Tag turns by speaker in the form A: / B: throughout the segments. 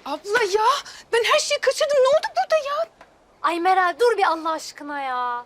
A: Abla ya ben her şeyi kaçırdım. Ne oldu burada ya?
B: Ay Meral dur bir Allah aşkına ya.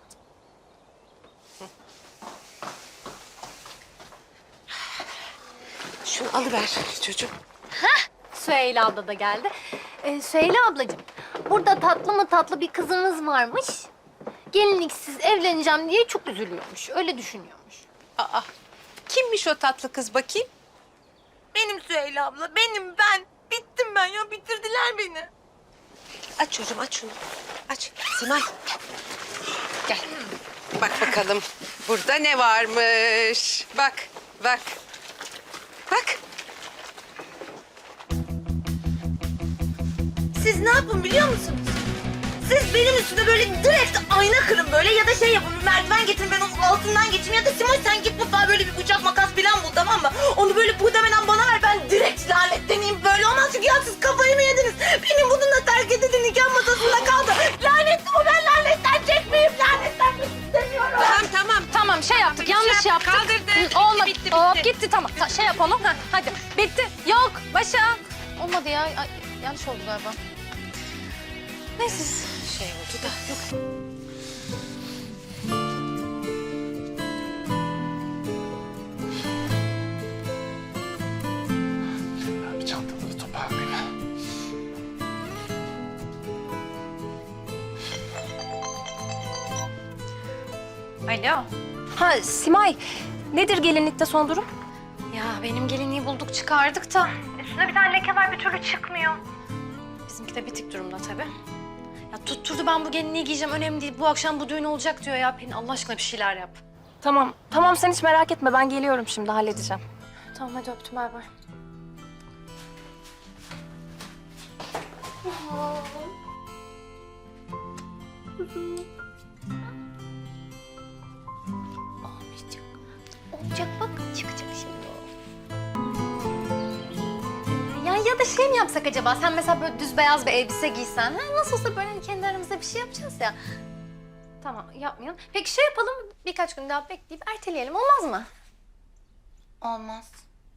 C: Şunu alıver çocuğum.
B: Süheyla abla da geldi. Süheyla ablacığım, burada tatlı mı tatlı bir kızınız varmış. Gelinliksiz evleneceğim diye çok üzülüyormuş. Öyle düşünüyormuş.
C: Aa, kimmiş o tatlı kız bakayım?
D: Benim Süheyla abla, benim ben. Bittim ben ya, bitirdiler beni.
C: Aç çocuğum, aç şunu. Aç. Simay. Gel. Bak bakalım burada ne varmış. Bak, bak. Bak.
D: Siz ne yapın biliyor musunuz? Siz benim üstüme böyle direkt ayna kırın böyle ya da şey yapın, bir merdiven getirin ben onun altından geçeyim ya da Simoy sen git mutfağa böyle bir bıçak makas falan bul, tamam mı? Onu böyle muhtemelen bana ver, ben direkt lanetleneyim, böyle olmaz çünkü ya siz kafayı mı yediniz? Benim bununla terk edildi, nikah masasında kaldı. Lanetli bu, ben lanetlenecek miyim? Lanetlenmek istemiyorum.
C: Tamam.
B: Tamam şey yaptık, yanlış yaptık.
C: Kaldırdı.
B: Olmadı.
C: Bitti.
B: Hop, gitti tamam. Şey yapalım. Ha, hadi. Bitti. Yok. Başa. Olmadı ya. Ay, yanlış oldu galiba. Neyse.
C: Şey oldu da. Yok.
E: Ben bir çantamı toparlayayım.
B: Alo. Ha Simay. Nedir gelinlikte son durum? Ya benim gelinliği bulduk çıkardık da. Üstünde bir tane leke var bir türlü çıkmıyor. Bizimki de bitik durumda tabii. Ya tutturdu ben bu gelinliği giyeceğim önemli değil. Bu akşam bu düğün olacak diyor ya. Pelin Allah aşkına bir şeyler yap.
F: Tamam, tamam sen hiç merak etme. Ben geliyorum şimdi, halledeceğim.
B: Tamam hadi öptüm bay bay. Olmayacak. Olacak bak çıkacak şimdi o. Ya da şey mi yapsak acaba? Sen mesela böyle düz beyaz bir elbise giysen. Ha? Nasıl olsa böyle hani kendi aramızda bir şey yapacağız ya. Tamam yapmayalım. Peki şey yapalım birkaç gün daha bekleyip erteleyelim olmaz mı?
D: Olmaz.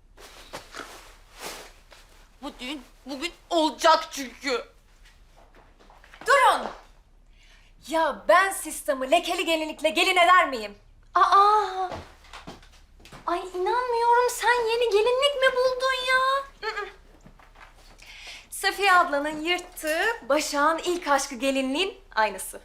D: Bu düğün bugün olacak çünkü.
F: Durun! Ya ben sistemi lekeli gelinlikle gelin eder miyim?
B: Aa! Ay inanmıyorum sen yeni gelinlik mi buldun ya?
F: Safiye ablanın yırttığı Başak'ın ilk aşkı gelinliğin aynısı.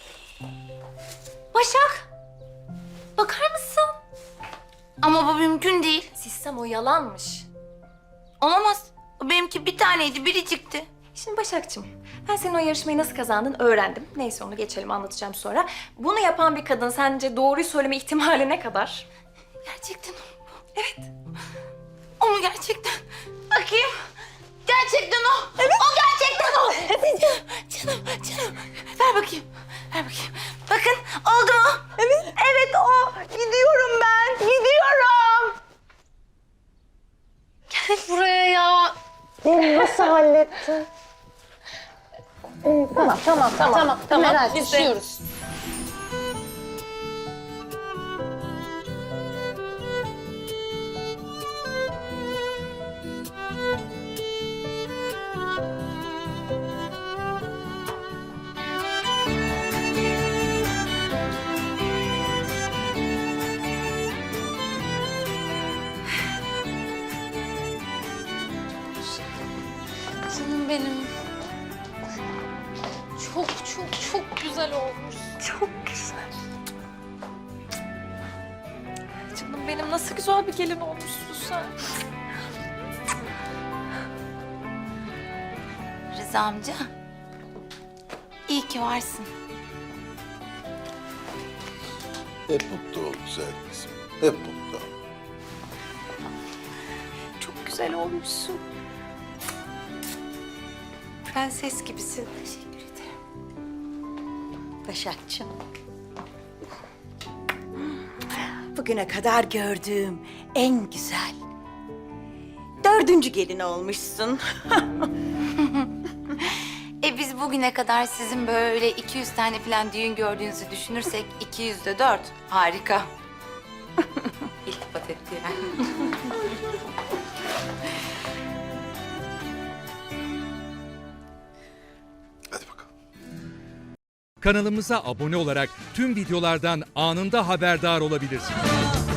B: Başak! Bakar mısın?
D: Ama bu mümkün değil.
F: Sistem o yalanmış.
D: Olamaz. Benimki bir taneydi, biricikti.
F: Şimdi Başak'cığım, ben senin o yarışmayı nasıl kazandın öğrendim. Neyse onu geçelim, anlatacağım sonra. Bunu yapan bir kadın sence doğruyu söyleme ihtimali ne kadar?
D: Gerçekten o.
F: Evet.
D: O mu gerçekten? Bakayım. Gerçekten o. Evet. O gerçekten o. Canım. Ver bakayım. Ver bakayım. Bakın oldu mu? Evet. Evet o. Gidiyorum ben. Gidiyorum.
B: Gel buraya ya. Tamam.
F: Meral,
B: düşüyoruz. Canım benim. Çok güzel olmuş.
F: Çok güzel. Canım benim nasıl güzel bir gelin olmuşsun sen.
D: Rıza amca. İyi ki varsın.
E: Hep mutlu ol güzel kızım. Hep mutlu ol.
F: Çok güzel olmuşsun.
C: Prenses gibisin.
D: Teşekkür ederim. Başakçığım. Bugüne kadar gördüğüm en güzel 4. gelin olmuşsun. Biz bugüne kadar sizin böyle 200 tane falan düğün gördüğünüzü düşünürsek 200'de 4. Harika. İltifat etti yani.
G: Kanalımıza abone olarak tüm videolardan anında haberdar olabilirsiniz.